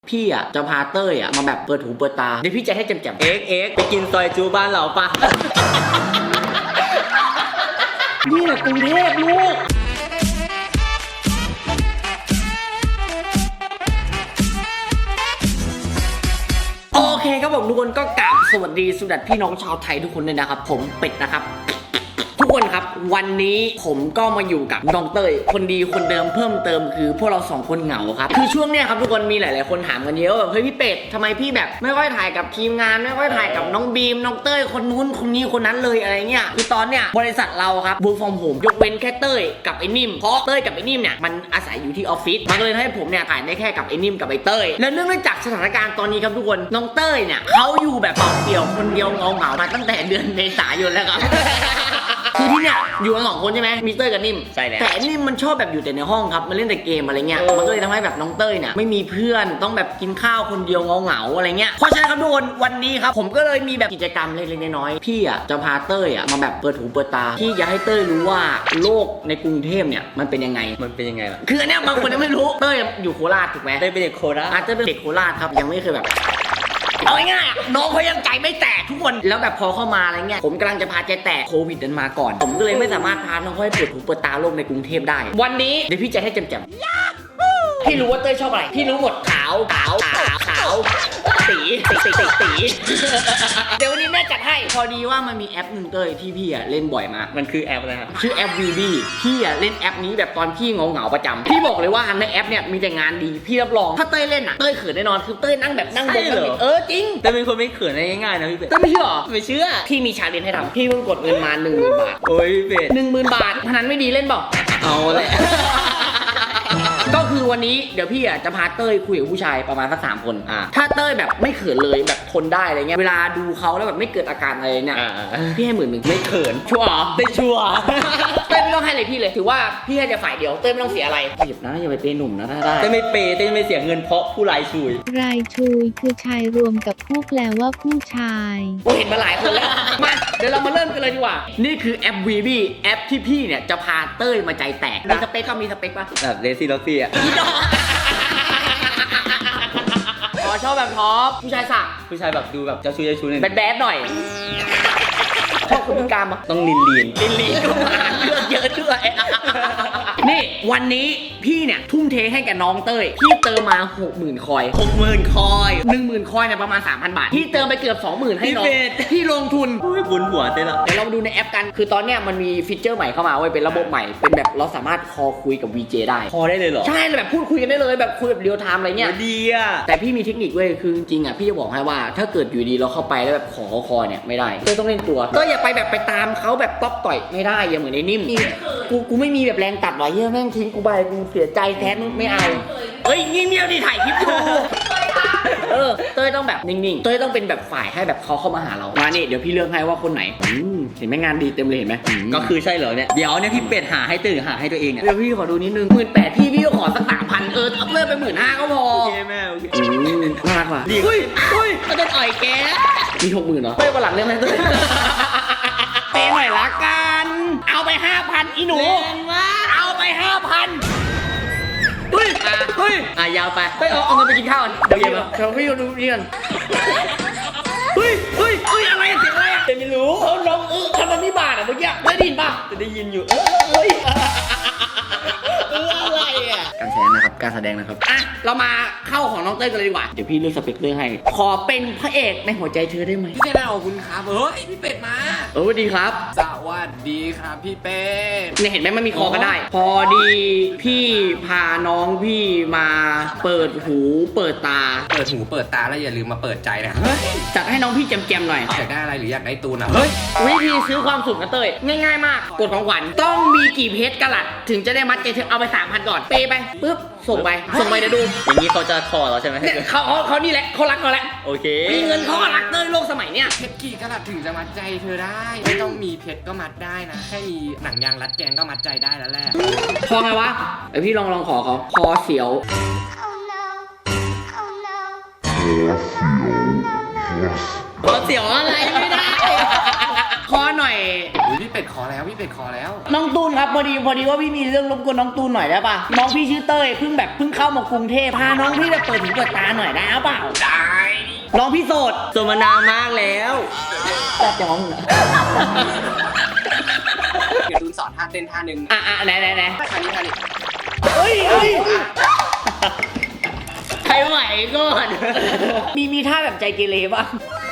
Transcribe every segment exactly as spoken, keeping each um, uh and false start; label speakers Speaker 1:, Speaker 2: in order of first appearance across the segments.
Speaker 1: พี่อ่ะจะพาเต้ยอ่ะมาแบบเปิดหูเปิดตาเดี๋ยวพี่จะให้แจ่มๆเอ็กเอ็ก
Speaker 2: ไปกินซอยจูบ้านเราปะ
Speaker 1: นี่แหละกรุงเทพลูกโอเคครับผมทุกคนก็กราบสวัสดีสุดัดพี่น้องชาวไทยทุกคนเลยนะครับผมเป็ดนะครับทุกคนครับวันนี้ผมก็มาอยู่กับน้องเต้ยคนดีคนเดิมเพิ่มเติมคือพวกเราสองคนเหงาครับคือช่วงเนี้ยครับทุกคนมีหลายๆคนถามกันเยอะแบบเฮ้ยพี่เป็ดทำไมพี่แบบไม่ค่อยถ่ายกับทีมงานไม่ค่อยถ่ายกับน้องบีมน้องเต้ยคนนู้นคนนี้คนนั้นเลยอะไรเงี้ยคือตอนเนี้ยบริษัทเราครับ work from home ยกเว้นแค่เต้ยกับไอ้นิ่มเพราะเต้ยกับไอ้นิ่มเนี่ยมันอาศัยอยู่ที่ออฟฟิศมันเลยให้ผมเนี่ยถ่ายได้แค่กับไอ้นิ่มกับไอ้เต้ยแล้วเนื่องจากสถานการณ์ตอนนี้ครับทุกคนน้องเต้ยเนี่ยเขาอยู่แบบเปล่าเปลี่ยวคนเดียวเงาเงามาตั้งแต่เดือนเมษายนแล้วครับ คือที่เนี่ยอยู่กันสองคนใช่ไหมมีเต้ยกับนิ่มใช่แล้วแต่นิ่มมันชอบแบบอยู่แต่ในห้องครับมันเล่นแต่เกมอะไรเงี้ยมันก็เลยทำให้แบบน้องเต้ยเนี่ยไม่มีเพื่อนต้องแบบกินข้าวคนเดียวเงาๆอะไรเงี้ยเพราะฉะนั้นครับทุกคนวันนี้ครับผมก็เลยมีแบบกิจกรรมเล็กๆน้อยๆพี่อ่ะจะพาเต้ยอ่ะมาแบบเปิดหูเปิดตาพี่อยากให้เต้ยรู้ว่าโลกในกรุงเทพเนี่ยมันเป็นยังไง
Speaker 2: มันเป็นยังไงล่ะ
Speaker 1: คืออันเนี้ยบางคนยังไม่รู้เต้ยอยู่โคราชถูกไหม
Speaker 2: ได้เป็นเด็กโคราช
Speaker 1: อาจจะเป็นเด็กโคราชครับยังไม่เคยแบบเอาง่ายๆน้องเขายังใจไม่แตกทุกคนแล้วแบบพอเข้ามาอะไรเงี้ยผมกำลังจะพาใจแตกโควิดนั้นมาก่อนผมก็เลยไม่สามารถพาน้องเขาให้เปิดหูเปิดตาโลกในกรุงเทพได้วันนี้เดี๋ยวพี่จะให้แจ่มๆพี่รู้ว่าเต้ยชอบอะไรพี่รู้หมดขาวขาวขาวขาวสีสีสีสีสีเดี๋ยววันนี้แม่จัดให้พอดีว่ามันมีแอปหนึ่งเต้ยที่พี่อะเล่นบ่อยมาก
Speaker 2: มันคือแอปอะไรครับ
Speaker 1: ชื่อแอป วี บี พี่อะเล่นแอปนี้แบบตอนพี่เหงาๆประจำพี่บอกเลยว่าในแอปเนี่ยมีแต่งานดีพี่รับรองถ้าเต้ยเล่นอะเต้ยเขินแน่นอนคือเต้ยนั่งแบบนั่งบนเออจริง
Speaker 2: แต่เป็นคนไม่เขินได้ง่ายๆนะพี่เป็ด
Speaker 1: เต้ยไม่เชื่อหรอ
Speaker 2: ไม่เชื่อ
Speaker 1: พี่มีชาเลนจ์ให้ทำพี่เพิ่งกดเงินมาหนึ่งหมื่นบาท
Speaker 2: โอ้ยพี่เป็ด
Speaker 1: หนึ่งหมื่นบาทพนันไม่ดีเล่นเปล่า
Speaker 2: เอาแหละ
Speaker 1: ก็คือวันนี้เดี๋ยวพี่อ่ะจะพาเต้ยคุยกับผู้ชายประมาณสักสามคนอ่าถ้าเต้ยแบบไม่เขินเลยแบบทนได้อะไรเงี้ยเวลาดูเขาแล้วแบบไม่เกิดอาการอะไรเนี่ยพี่ให้หมื่นหนึ่ง
Speaker 2: ไม่เขิน
Speaker 1: ชัวร์
Speaker 2: ได้ชัวร์
Speaker 1: เต้ยไม่ต้องให้เลยพี่เลยถือว่าพี่ให้แต่ฝ่ายเดียวเต้ยไม่ต้องเสียอะไรหยิบนะอย่าไปเปย์หนุ่มนะถ้าได้
Speaker 2: เต้ยไม่เปย์เต้ยไม่เสียเงินเพราะผู้รายชุย
Speaker 3: รายชุยคือชายรวมกับผู้แปลว่าผู้ชาย
Speaker 1: กูเห็นมาหลายคนแล้วมาเดี๋ยวเรามาเริ่มกันเลยดีกว่านี่คือแอป วี บี แอปที่พี่เนี่ยจะพาเต้ยมาใจแตกมีสเปคก็มีสเปคป่ะ
Speaker 2: แบบเลซี่ล็อกซี่อ่ะ
Speaker 1: อ๋อชอบแบบท็อปผู้ชายสัก
Speaker 2: ผู้ชายแบบดูแบบเจ้าชู้เจ้าชู้หน่อย
Speaker 1: แบดแบดหน่อยชอบคุณพิการปะ
Speaker 2: ต้องลีนลีน
Speaker 1: ลีนลีนก็มาเลือกเยอะด้วยนี่วันนี้พี่เนี่ยทุ่มเทให้กับน้องเต้ยพี่เติมมา หกหมื่น คอย
Speaker 2: หกหมื่น คอย
Speaker 1: หนึ่งหมื่น คอยเนี่ยประมาณ สามพัน บาทพี่เติมไปเกือบ สองหมื่น ให้น้องพี่ลงทุน
Speaker 2: บุญหัวเต้ละ
Speaker 1: เดี๋ยวเรามาดูในแอปกันคือตอนเนี้ยมันมีฟีเจอร์ใหม่เข้ามาเว้ยเป็นระบบใหม่เป็นแบบเราสามารถคอคุยกับ วี เจ ได้
Speaker 2: คอได้เลยเหรอ
Speaker 1: ใช่แบบพูดคุยกันได้เลยแบบคุยแบบเรียลไทม์อะไรเงี้ย
Speaker 2: ดีอ่ะ
Speaker 1: แต่พี่มีเทคนิคเว้ยคือจริงๆอ่ะพี่จะบอกให้ว่าถ้าเกิดอยู่ดีเราเข้าไปแล้วแบบขอคอเนี่ยไม่ได้ก็ต้องเล่นตัวก็อย่าไปแบบไปตามเขาแบบต๊อกต่อยไม่ได้อย่าเหมือนไอ้นิ่มกูกูไม่มีแบบแรงตัดหรอเฮ้ยแม่งทิ้งกูไปกูเสียใจแทนไม่เอาเอ้ยเงียบๆดิถ่ายคลิปอยู่เออเต้ยต้องแบบนิ่งๆเต้ยต้องเป็นแบบฝ่ายให้แบบเขาเข้ามาหาเรามาเนี่ยเดี๋ยวพี่เลือกให้ว่าคนไหนเห็นไหมงานดีเต็มเลยเห็นไหม
Speaker 2: ก็คือใช่เหรอเนี่ยเดี๋ยวเนี่ยพี่เป็ดหาให้ตื่นหาให้ตัวเองเนี่ย
Speaker 1: เดี๋ยวพี่ขอดูนิดนึงหมื่นแปดพี่พี่ก็ขอสักสามพันเออเลิกไปหมื่นห้าก็พอ
Speaker 2: โอเคแม่โอเค
Speaker 1: น่ารักว่ะ
Speaker 2: เฮ้ยเฮ้ย
Speaker 1: เขาจะต่อยแกมีหกหมื่นเหรอเฮ้ยวันหลังเรื่องอะไรเต้ยเปย์หน่อยละกันเอาไปห้าพันอีหนูเอาไปห้าพัน
Speaker 2: เฮ้ยเฮ้ยอ่ะยาวไป
Speaker 1: เฮ้ยเอาเอาเงินไปกินข้าวกันเดี๋ยวเย็นเดี๋ยวพี่ดูนี่กันเฮ้ยเฮ้ยเฮ้ยอะไรเสียงอะไรอ่ะ
Speaker 2: ไม่รู้
Speaker 1: เขาร้องเออทำไมไม่บาดอ่ะเมื่อกี้ไม่ได้ยินป่ะ
Speaker 2: จะได้ยินอยู่
Speaker 1: เฮ้ยเอออะไรอ่ะการแสดงนะครับการแสดงนะครับอ่ะเรามาเข้าของน้องเต้ยกันเลยดีกว่าเดี๋ยวพี่เลือกสเปคเลือกให้ขอเป็นพระเอกในหัวใจเธอได้ไหม
Speaker 4: พี่จะได้ขอบคุณครับเฮ้ยพี่เป็ดมา
Speaker 1: เออดีครับ
Speaker 4: สวัสดีครับพี่เป็ด
Speaker 1: เนี่ยเห็นไหมมันมีคอก็ได้พอดีพี่พาน้องพี่มาเปิดหูเปิดตา
Speaker 4: เปิดหูเปิดตาแล้วอย่าลืมมาเปิดใจนะ
Speaker 1: จัดให้น้องพี่แจมๆหน่อย
Speaker 4: อยากได้อะไรหรืออยากได้ตูนอ่ะ
Speaker 1: เฮ้ยวิธีซื้อความสุขนะเต้ยง่ายๆมากกดของขวัญต้องมีกี่เพชรกะลัดถึงจะได้มัดใจเธอเอาไป สามพัน ก่อนเปย์ไปปึ๊บส่งไปส่งไปเดี๋ยวดู
Speaker 2: อย่างนี้เขาจะคอเราใช่ไหม
Speaker 1: เขาเขาเขานี่แหละเขารักเราแหละ
Speaker 2: โอเค
Speaker 1: มีเงินเขาก็รักเต้ยโลกสมัยเนี้ย
Speaker 4: เพชรกี่กะลัดถึงจะมัดใจเธอได้ไม่ต้องมีเพชรก็มัดได้นะแค่มีหนังยางรัดแกงก็มัดใจได้แล้วแหละ
Speaker 1: พอไงวะไอพี่ลองลองขอเขาคอเสียวคอเสียวอะไรไม่ได้คอหน่อย
Speaker 4: พี่เป็ดขอแล้วพี่เป็ดขอแล้ว
Speaker 1: น้องตูนครับพอดีพอดีว่าพี่มีเรื่องรบกวนน้องตูนหน่อยได้ปะน้องพี่ชื่อเต้ยเพิ่งแบบเพิ่งเข้ามากรุงเทพพาน้องพี่ไปเปิดหูเปิดตาหน่อยได้หรือเปล่าได้น้องพี่โสด
Speaker 2: โสดมานานมากแล้ว
Speaker 1: แต่จะมองเหรอ
Speaker 4: เดี๋ยวตูนสอนท่าเต้นท่าหนึ่ง
Speaker 1: อ่ะอ่ะไหนไหนไหน
Speaker 4: ท่านี้ท่านี้
Speaker 1: เฮ้ยเฮ้ย
Speaker 2: ใครไหวก่อน
Speaker 1: มีมีท่าแบบใจเกเรป่ะ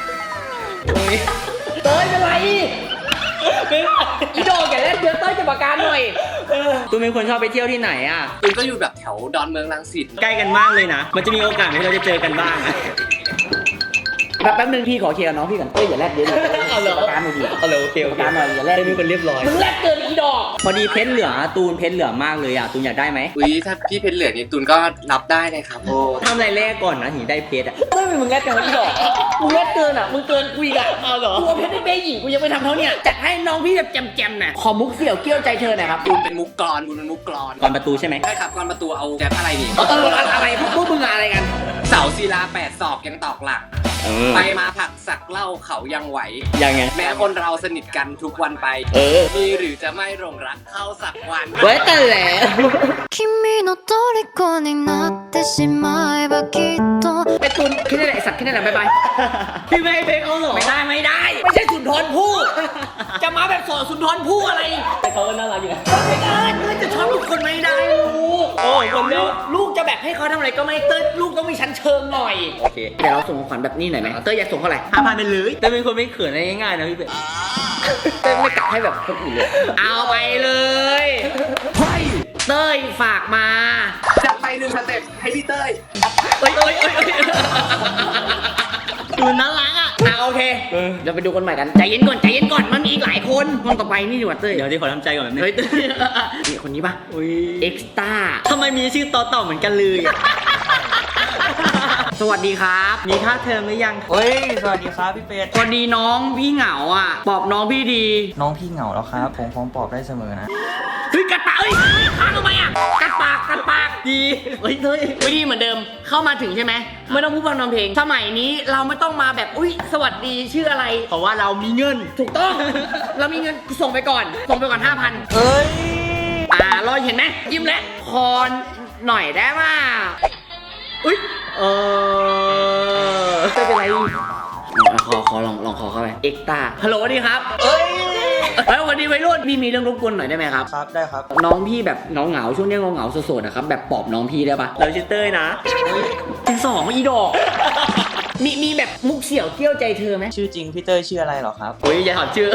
Speaker 1: เต้ยเป็นไรอีโดอย่าเล่นเดี๋ยวเต้ยจะประการหน่อย
Speaker 2: ตูนเป็นคนชอบไปเที่ยวที่ไหนอ่ะ
Speaker 4: ตูนก็อยู่แบบแถวดอนเมืองรังสิต
Speaker 2: ใกล้กันมากเลยนะ มันจะมีโอกาสไหมที่เราจะเจอกันบ้างอะ
Speaker 1: แบบแป๊บนึงพี่ขอเคลียร์กับน้องพี่ก่อนเต้ยอย่าแลดเดี๋ยวเอาเลยประการหน่อยดิ
Speaker 2: เอาเลยโอเคโอ
Speaker 1: ประ
Speaker 2: เค
Speaker 1: การหน่อยอย่าแลด
Speaker 2: เต้ยเป็นคนเรียบร้อย
Speaker 1: มึงแลดเกินอีดอก
Speaker 2: พอดีเพชรเหลือตูนเพชรเหลือมากเลยอ่ะตูนอยากได้ไหม
Speaker 4: อุ้ยถ้าพี่เพชรเหลือนี่ตูนก็รับได้นะครับโอ้
Speaker 2: ทำอะไรแรกก่อนนะถึงได้เพชรอ่ะ
Speaker 1: เต้ยมึงแลดเกินอีดอกมึงแลดเกินอ่ะมึงเกินกูอีกอ่ะ
Speaker 2: เอาเหรอ
Speaker 1: ตัวเพชรได้เบ้หญิงกูยังไม่ทำเท่าเนี่ยจัดให้น้องพี่แบบแจมๆหน่อยขอมุกเสี่ยวเกี้ยวใจเธอหน่อยครับ
Speaker 4: ตูนเป็นมุกกรอนตูนเป็นมุกกรอน
Speaker 2: ก่อนประตูใช่ไหม
Speaker 4: ใช่ครับกรอนประตูเอาแจ๊บอะไรนี่
Speaker 1: เอออะไรพวกพวกมึงอะไรกัน
Speaker 4: เสาศิลาแปดศอกยังตอกหลัก
Speaker 2: เออ
Speaker 4: ไปมาผักสักเหล่าเขายังไหว
Speaker 2: ยังไง
Speaker 4: แม้คนเราสนิทกันทุกวันไป
Speaker 2: เออ
Speaker 4: มีหรือจะไม่หลงรักเข้าสักวัน
Speaker 2: ไว้แต่แหละ
Speaker 5: 君の虜になってしまえばきっと
Speaker 1: ไอ้ตุนแค่นี้แหละไอ้สัตว์แค่นี้แหละบ๊ายบาย
Speaker 2: พี่ไม่ให้เพชรเขาเหรอ
Speaker 1: ไม่ได้ไม่ได้ ไม่ใช่สุนทรภู่จะมาแบบสอนสุนทรภู่อะไร
Speaker 2: แต่เขาก็น่ารักอยู่นะ
Speaker 1: ไม่ได้เต้ยจะชอบลูกคนไม่ได้ลูก
Speaker 2: โอ้ยคนเดียว
Speaker 1: ลูกจะแบบให้เขาทำอะไรก็ไม่เต้ยลูกต้องมีชั้นเชิงหน่อย
Speaker 2: โอเค
Speaker 1: เดี๋ยวเราส่งของขวัญแบบนี้หน่อยไหมเต้ยอยากส่งเท่าไหร่
Speaker 2: ห้าพันไปเลยแต่เป็นคนไม่เขินอะไรง่ายๆนะพี่เป็ด
Speaker 1: เต้ยไม่กลับให้แบบคนอื่นเลย เอาไปเลยเฮ้ยเต้ยฝากมา
Speaker 4: จะไปหนึ่งสเต็ปให้พี่เต้ย
Speaker 1: เอ้ยเอ้ยเอ้ยเอ้ย
Speaker 2: ดูน่ารักอ่ะ
Speaker 1: อ่ะโอเคเดี๋ยวไปดูกันใหม่กันใจเย็นก่อนใจเย็นก่อนมันมีอีกหลายคนคนต่อไปนี่ดีกว่าเต้ย
Speaker 2: เดี๋ยวที่ขอทำใจก่อนแบบนึง
Speaker 1: เฮ้ยเต้ยนี่คนนี้ปะ
Speaker 2: อุ้ย
Speaker 1: เอ็กซ์ต้า
Speaker 2: ทำไมมีชื่อต่อต่อเหมือนกันเลยอะ
Speaker 1: สวัสดีครับ
Speaker 2: มีค่าเทอมหรือยังเฮ้ย สวัสดีครับพี่เป็ด
Speaker 1: พอดีน้องพี่เหงาอ่ะปอบน้องพี่ดี
Speaker 6: น้องพี่เหงาแล้วครับ ผมพร้อมปลอบได้เสมอนะ
Speaker 1: เฮ้ยกัดปากเอ้ยค้างทำไมอ่ะกัดปากกัดปากดีเฮ้ยเฮ้ยวิธีเหมือนเดิมเข้ามาถึงใช่ไหมไม่ต้องพูดพร่ำทำเพลงสมัยนี้เราไม่ต้องมาแบบอุ้ยสวัสดีชื่ออะไร
Speaker 2: เพราะว่าเรามีเงิน
Speaker 1: ถูกต้อง เรามีเงินส่งไปก่อน ส่งไปก่อนห้าพัน
Speaker 2: เอ้ย
Speaker 1: อ่ารอยเห็นไหมยิ้มแล้วคอนหน่อยได้ป่ะอุ้ย
Speaker 2: เออ
Speaker 1: ไม่เป็นไรขอขอลองลองขอเข้าไปเอ็กตาฮัลโหลสวัสดีครับเอ้ยเฮ้ยสวัสดีวัยรุ่นพี่มีเรื่องรบกวนหน่อยได้ไหมครับ
Speaker 6: ครับ ได้ครับ
Speaker 1: น้องพี่แบบเหงาเหงาๆช่วงนี้เหงาเหงาๆโสดๆนะครับแบบปอบน้องพี่ได้ปะ
Speaker 2: เราชื่อเต้ยนะ
Speaker 1: เป็นสองอีดอกมีมีแบบมุกเสี่ยวเกี้ยวใจเธอไหม
Speaker 6: ชื่อจริงพี่เต้ยชื่ออะไรเหรอครับ
Speaker 2: อุ้ยอย่าถอดชื่อ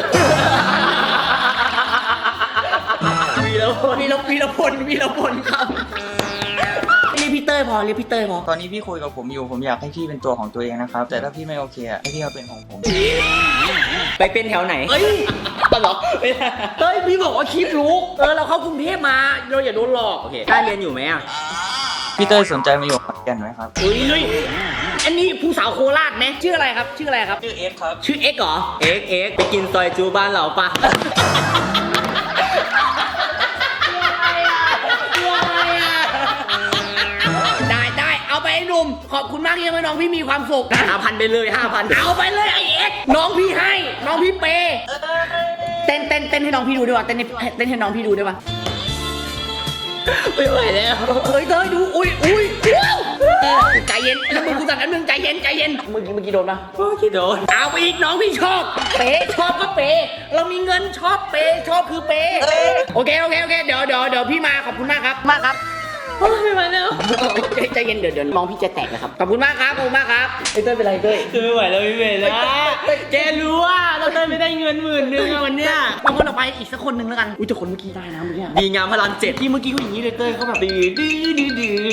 Speaker 1: วีรพลวีรวีรพลวีรพลครับเรียกพี่เต้ยพอเรียกพี่เต้ยพอ
Speaker 6: ตอนนี้พี่คุยกับผมอยู่ ผมอยากให้พี่เป็นตัวของตัวเองนะครับ แต่ถ้าพี่ไม่โอเคอะให้พี่มาเป็นของผม
Speaker 2: ไปเป็นแถวไหน
Speaker 1: เอ้ยตลกเต้ยพี่บอกว่าคลิปรู้เออเราเข้ากรุงเทพมาเราอย่าโดนหลอก
Speaker 2: โอเคได้เรียนอยู่ไหมอ่ะ
Speaker 6: พี่เต้ยสนใจมาอยู่ขอนแก่นไหมครับ
Speaker 1: เฮ้ยอันนี้ผู้สาวโคราชไหมชื่ออะไรครับ ชื่ออะไรครับ
Speaker 6: ชื่อเอ็กซ์ครับ
Speaker 1: ชื่อเอ็กซ์เหรอ
Speaker 2: เอ็กเอ็กไปกินซอยจูบ้านเราปะ
Speaker 1: ได้ได้เอาไปไอ้หนุ่มขอบคุณมากที่ทำให้น้องพี่มีความสุข
Speaker 2: ห้าพันไปเลยห้าพัน
Speaker 1: เอาไปเลยไอเอ็กซ์น้องพี่ให้ น้องพี่เปย์เต้นเต้นเต้นให้น้องพี่ดูด้วยวะเต้นให้เต้นให้น้องพี่ดูด้วยวะ
Speaker 2: ไม่ไหวแล้ว
Speaker 1: เฮ้ยเต้ยดูอุ้ยอุ้ยว้าวใจเย็นแล้วมึงกูสั่งกันมึงใจเย็นใจเย็นเมื่อกี้เมื่อกี้โดนปะ
Speaker 2: โอ้คิดโดน
Speaker 1: เอาไปอีกน้องพี่ชอบ เปย์ชอบก็เปย์เรามีเงินชอบเปย์ชอบคือเปย์โอเคโอเคโอเคเดี๋ยวเดี๋ยวเดี๋ยวพี่มาขอบคุณมากครับมากครับ
Speaker 2: โอ้ยไม่ไหวแล้ว
Speaker 1: ใจใจเย็นเดี๋ยวเดี๋ยวน้องพี่จะแตกนะครับขอบคุณมากครับขอบคุณมากครับไอ้เต้ยเป็นไรเต้ย
Speaker 2: คือไม่ไหวแล้วพี่เบลนะแกรู้ว่าเราเต้ยไม่ได้เงินหมื่นนึงอะวันเนี้ย
Speaker 1: บางคนเอาไปอีกสักคนหนึ่งแล้วกันอุ้ยแต่คนเมื่อกี้ได้นะเมื่อกี้
Speaker 2: ดีงามพลังเจ็ด
Speaker 1: ที่เมื่อกี้เขาอย่างนี้เลยเต้ยเขาแบบดื้อดื้อดื้อดื้อ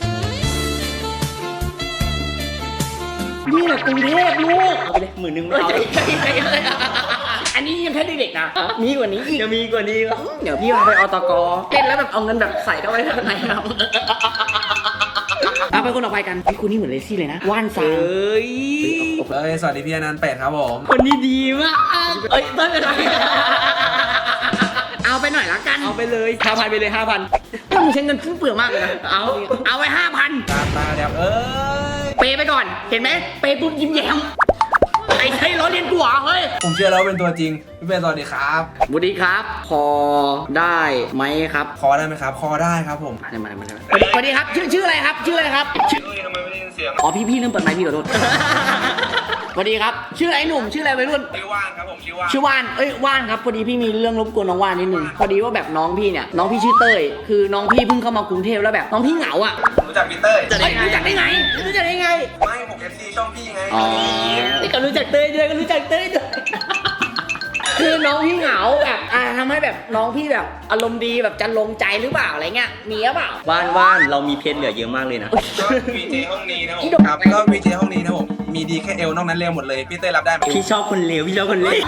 Speaker 1: นี่แหละกรุงเทพลูก
Speaker 2: เอาไปเลยหมื่นหนึ่งไม่เอา
Speaker 1: อันนี้ยังแค่เด็กๆนะมีกว่านี้อีก
Speaker 2: จะมีกว่านี้วะ
Speaker 1: เดี๋ยวพี่พาไปอตกเต้นแล้วแบบเอาเงินแบบใส่เข้าไปข้างในครับเอาไปคนต่อไปกันไอ้คุณนี่เหมือนเลซี่เลยนะว่านซา
Speaker 2: เอ้ย
Speaker 7: เอ้ยสวัสดีพี่อนันต์เป็ดครับผม
Speaker 2: คนนี้ดีมากเอ้ยเต้ยเป็นไร
Speaker 1: เอาไปหน่อยละกัน
Speaker 2: เอาไปเลยห้าพันไปเลยห้าพัน
Speaker 1: ถ้ามึงใช้เงินฟุ่มเฟือยมากเลยนะเอาเอาไปห้าพัน
Speaker 7: ตาตาเดี๋ยวเอ้ย
Speaker 1: เปย์ไปก่อนเห็นไหมเปย์ปุ๊บยิ้มแย้มไอ้ใช่ล้อเลียนกูเหรอเฮ้ย
Speaker 7: ผมเชื่อแล้วเป็นตัวจริง พี่เป็ดสวัสดีครับ
Speaker 1: สวัสดีครับพอได้ไหมครับ
Speaker 7: คอได้ไหมครับ คอได้ครับผม
Speaker 1: มาเลยมาเลยมาเลยสวัสดีครับชื่อชื่ออะไรครับชื่ออะไรครับชื่อทำไมไม่ได้ยินเสียงอ๋อพี่พี่เริ่มเปิดไมค์พี่ขอโทษ สวัสดีครับชื่ออะไรหนุ่มชื่ออะไรวัยรุ่น
Speaker 7: ชื่อว่านครับผมชื่อว่าน
Speaker 1: ชื่อว่านเอ้ยว่านครับพอดีพี่มีเรื่องรบกวนน้องว่านนิดนึงพอดีว่าแบบน้องพี่เนี่ยน้องพี่ชื่อเต้ยคือน้องพี่เพิ่งเข้ามากรุงเทพแล้วแบบน้องพี่เหงาอ่ะ
Speaker 7: รู้จักพี่เต้ย
Speaker 1: เฮ้ยรู้จักได้ไงรู้จักได้ไง
Speaker 7: ไม่ผมเอฟซีช่องพี่ไง
Speaker 1: อ๋อนี่ก็รู้จักเต้ยด้วยก็รู้จักเต้ยด้วย คือน้องพี่เหงาแบบอ่าทำให้แบบน้องพี่แบบอารมณ์ดีแบบจะลงใจหรือเปล่าอะไรเงี้ยมีหรือเปล่า
Speaker 2: ว่านว่านเรามีเพชรเหลือเยอะมากเลยนะ
Speaker 7: วีเจห้องนี้นะผม
Speaker 1: พี่ดก
Speaker 7: ครับก็วีเจห้องนี้นะผมมีดีแค่เอวนอกนั้นเร็วหมดเลยพี่เต้ยรับได้ไหม
Speaker 2: พี่ชอบคนเลวพี่ชอบคนเลว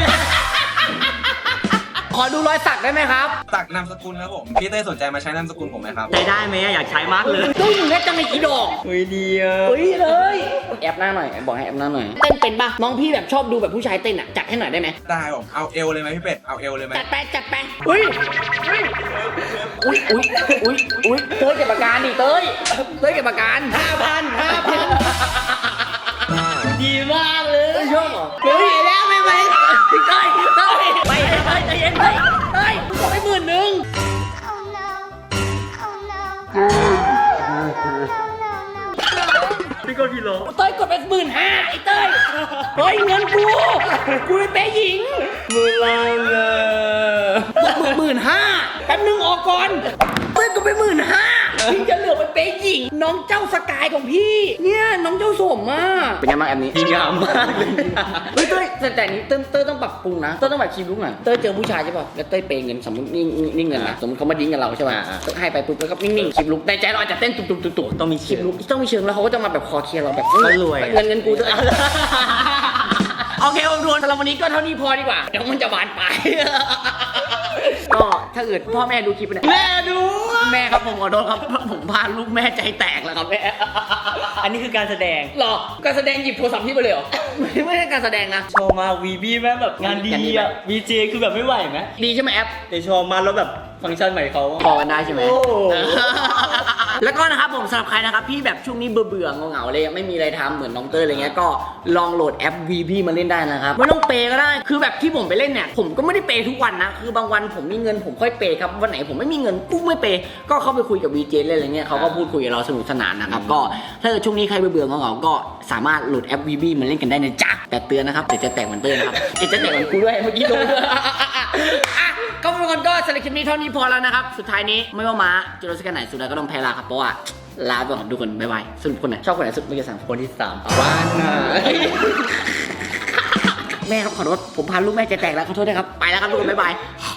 Speaker 1: ขอดูรอยสักได้ไหมครับ
Speaker 7: ตักนามสกุลครับผมพี่เต้ยสนใจมาใช้นามสกุลผมไหมครับ
Speaker 2: ใช้ได้ไหมอยากใช้มากเลย
Speaker 1: ดูอยู่แค่จังในกี่ดอก
Speaker 2: เฮ้ยดีอ่ะ
Speaker 1: เฮ้ยเลยแอบหน้าหน่อยบอกให้แอบหน้าหน่อยเต้นเป็นปะน้องพี่แบบชอบดูแบบผู้ชายเต้นอ่ะจัดให้หน่อยได้ไหม
Speaker 7: ได้ผมเอาเอวเลยไหมพี่เป็ดเอาเอวเลยไหม
Speaker 1: จัดไปจัดไปอุ้ยอุ้ยอุ้ยอุ้ยอุ้ยเต้ยเก็บอาการดิเต้ยเต้ยเก็บอาการห้าพันห้าพันดีมากเลยชอบเหรอเฮ้ยแล้วไม่ไหวพี่เต้ยเต้ยไปเต้ยใจเย็นเต้ยเต้ยกดไปหมื่นหนึ่ง
Speaker 2: พี่ก็พี่โล
Speaker 1: เต้ยกดไปหมื่นห้าไอ้เต้ยเฮ้ยเงินกูกูไปเป๊ะหญิง
Speaker 2: มือล่างเลย
Speaker 1: หมื่นห้าแป๊บนึงออกก่อนเต้ยกดไปหมื่นห้าพี่จะเหลือไปเป๊ะหญิง น้องเจ้าสกายของพี่ เนี่ยน้องเจ้าสมอ่ะเป็นยังไงบ้างแอปนี้
Speaker 2: ดีงามมากเลย
Speaker 1: เฮ้ยเต้ยแต่แต่นี้เต้ยเต้ยต้องปรับปรุงนะเต้ยต้องแบบคีบลุกหน่อยเต้ยเจอผู้ชายใช่ป่ะแล้วเต้ยเปย์เงินสมมตินี่นี่เงินนะสมมติเขามาดิ้งกับเราใช่ป่ะให้ไปปุ๊บแล้วก็นิ่งๆคีบลุกในใจเราอาจจะเต้นตุบๆตุบๆ
Speaker 2: ต้องมี
Speaker 1: คลิ
Speaker 2: เชิ
Speaker 1: ป
Speaker 2: ง
Speaker 1: ลุกต้องมีเชิงแล้วเขาก็จะมาแบบคอเคลียร์เราแบบ
Speaker 2: เขารวย
Speaker 1: เงินเงินกูเถอะ โอเคผมทวนสำหรับวันนี้ก็เท่านี้พอดีกว่าเดี๋ยวมันจะบานปลาย ก็ถ้าเกิดพ่อแม่ดูคลิปเนี่ยแม่ดูแม่ครับผมขอโทษครับผมพาลูกแม่ใจแตกแล้วครับแม่
Speaker 2: อันนี้คือการแสดง
Speaker 1: หรอการแสดงหยิบโทรศัพท์พี่ไปเลยเหรอ ไม่ไม่ใช่การแสดงนะ
Speaker 2: ชอบมากวีบีแม่งแบบงานดีอ่ะวีเจคือแบบไม่ไหวไหม
Speaker 1: ดีใช่ไหมแอป
Speaker 2: แต่ชอบมากแล้วแบบฟังก์ชันใหม่เขา
Speaker 1: พอกันได้ใช่ไหม
Speaker 2: โอ้
Speaker 1: แล้วก็นะครับผมสำหรับใครนะครับพี่แบบช่วงนี้เบื่อเบื่อๆเหงาๆเลยไม่มีอะไรทำเหมือนน้องเตอร์อะไรเงี้ยก็ลองโหลดแอป วี พี มาเล่นได้นะครับไม่ต้องเปย์ก็ได้คือแบบที่ผมไปเล่นเนี่ยผมก็ไม่ได้เปย์ทุกวันนะคือบางวันผมมีเงินผมค่อยเปย์ครับวันไหนผมไม่มีเงินกูไม่เปย์ก็เข้าไปคุยกับ วี เจ เล่นอะไรเงี้ยเขาก็พูดคุยกับเราสนุกสนานนะครับก็ถ้าเกิดช่วงนี้ใครเบื่อเบื่อๆเหงาๆก็สามารถโหลดแอป วี พี มาเล่นกันได้นะจ๊ะแต่เตือนนะครับเดี๋ยวจะแตกเหมือนเตอร์นะครับเดี๋ยวจะแตกเหมือนกูด้วยเมื่อกี้โดน อ่ะก็ทุกคนก็สำหรับคลิปนี้เท่านี้พอแล้วนะครับ สุดท้ายนี้ไม่ว่าม้าจะรู้สึกกันไหนสุดท้ายก็ต้องแพ้ลาครับ เพราะว่าลาไปก่อนทุกคน บ๊ายบายสรุปคนไหนชอบคนไหนสุดไม่กี่สาม
Speaker 2: คนที่สาม
Speaker 1: ว่านนะแม่ครับขอโทษผมพาลูกแม่ใจแตกแล้วขอโทษด้วยครับ ไปแล้วครับทุกคน บ๊ายบาย